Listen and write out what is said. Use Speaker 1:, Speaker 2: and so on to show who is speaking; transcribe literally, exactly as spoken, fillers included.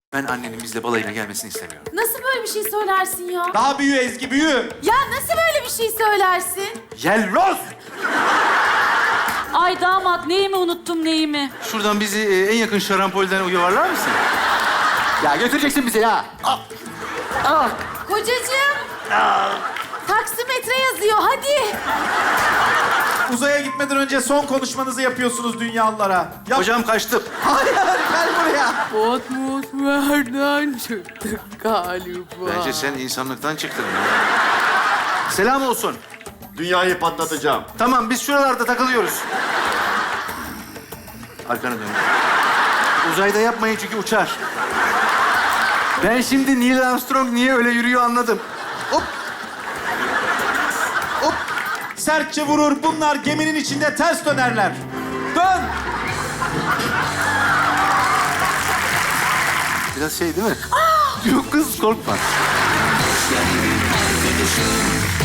Speaker 1: Ben annenin bizle balayına gelmesini istemiyorum.
Speaker 2: Nasıl böyle bir şey söylersin ya?
Speaker 3: Daha büyü Ezgi, büyü.
Speaker 2: Ya nasıl böyle bir şey söylersin?
Speaker 1: Yelloz!
Speaker 4: Ay damat neyimi unuttum neyimi?
Speaker 1: Şuradan bizi e, en yakın şarampolden yuvarlar mısın? Ya götüreceksin bizi ya. Al. Al.
Speaker 2: Kocacığım. Taksimetre yazıyor hadi.
Speaker 3: Uzaya gitmeden önce son konuşmanızı yapıyorsunuz dünyalılara. Yap.
Speaker 1: Hocam kaçtım.
Speaker 3: Hayır, gel buraya.
Speaker 2: Atmosferden çıktık galiba.
Speaker 1: Bence sen insanlıktan çıktın. Selam olsun.
Speaker 5: Dünyayı patlatacağım.
Speaker 1: Tamam, biz şuralarda takılıyoruz. Arkana dön. Uzayda yapmayın çünkü uçar. Ben şimdi Neil Armstrong niye öyle yürüyor anladım. Hop.
Speaker 3: Hop. Sertçe vurur. Bunlar geminin içinde ters dönerler. Dön.
Speaker 1: Biraz şey değil mi? Yok kız korkma.